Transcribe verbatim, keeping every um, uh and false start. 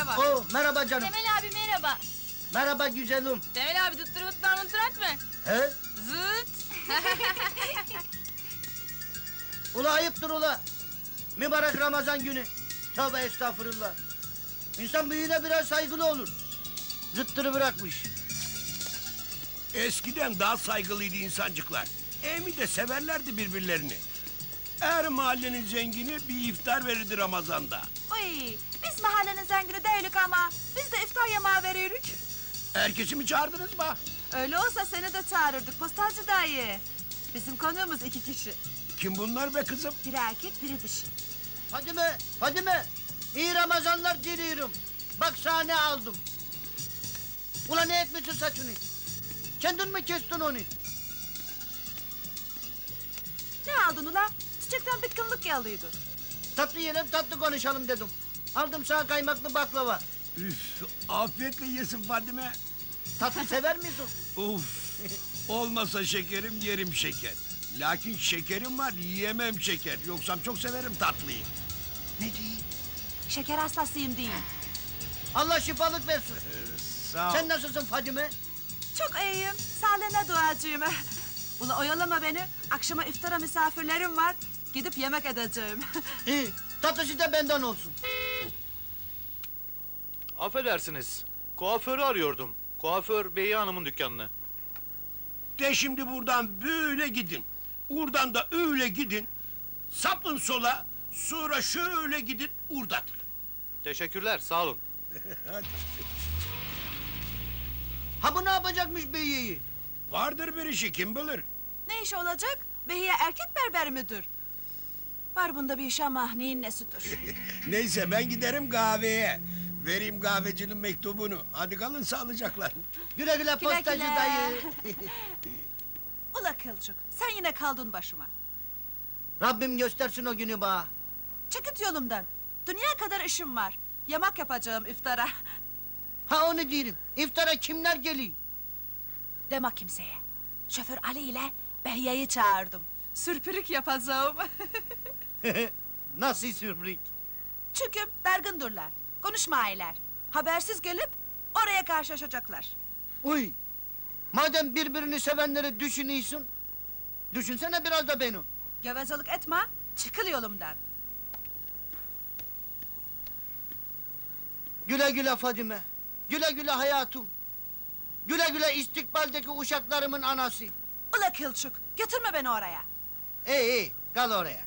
merhaba. Oo, merhaba canım. Temel abi merhaba. Merhaba güzelim. Temel abi dıttır mıtlar mıntır etme. He? Zıt. Ula ayıptır ula. Mübarek Ramazan günü. Tövbe estağfurullah. İnsan büyüğüne biraz saygılı olur. Zıttırı bırakmış. Eskiden daha saygılıydı insancıklar. Emi de severlerdi birbirlerini. Her mahallenin zengini bir iftar verirdi Ramazan'da. Uy, biz mahallenin zengini değilik ama biz de iftar yemeği veriyoruz. Herkesi mi çağırdınız mı? Öyle olsa seni de çağırırdık postacı dayı. Bizim konuğumuz iki kişi. Kim bunlar be kızım? Biri erkek, biri dişi. Fadime, Fadime. İyi Ramazanlar diliyorum. Bak sana ne aldım. Ula ne etmişsin saçını? Kendin mi kestin onu? Ne aldın ula? Çiçekten bitkinlik geldiydi. Tatlı yiyelim, tatlı konuşalım dedim. Aldım sana kaymaklı baklava. Üf, afiyetle yesin Fadime. Tatlı sever misin? Uf, olmasa şekerim yerim şeker. Lakin şekerim var yiyemem şeker. Yoksa çok severim tatlıyı. Ne diyeyim? Şeker hastasıyım değil. Allah şifalık versin. Sağ ol. Sen nasılsın Fadime? Çok iyiyim, sağlığına duacıyım. Ula oyalama beni, akşama iftara misafirlerim var. Gidip yemek edeceğim. İyi, tatlısı da benden olsun. Affedersiniz, kuaförü arıyordum. Kuaför Beyi Hanım'ın dükkanını. De şimdi buradan böyle gidin. Buradan da öyle gidin. Sapın sola, sonra şöyle gidin, urdatın. Teşekkürler, sağ olun. Ha bu ne yapacakmış beyiyi? Vardır bir işi, kim bilir? Ne iş olacak? Behiye erkek berber müdür? Var bunda bir iş ama neyin nesidir? Neyse ben giderim kahveye. Vereyim kahvecinin mektubunu. Hadi kalın sağlıcakla. Güle güle Güle postacı güle. dayı. Ula kılçık, sen yine kaldın başıma. Rabbim göstersin o günü bana. Çıkıt yolumdan. Dünya kadar işim var. Yamak yapacağım iftara. Ha onu diyelim. İftara kimler geliyor? Deme kimseye. Şoför Ali ile Behiye'yi çağırdım. Sürpürük yapacağım. Nasıl sürprik? Çünkü dargındırlar. Konuşmayırlar. Habersiz gelip oraya karşılaşacaklar. Uy! Madem birbirini sevenleri düşünüyorsun, düşünsene biraz da beni. Gevezelik etme, çıkıl yolumdan. Güle güle Fadime. Güle güle hayatım. Güle güle istikbaldeki uşaklarımın anası. Ula kılçık, götürme beni oraya. İyi iyi, kal oraya.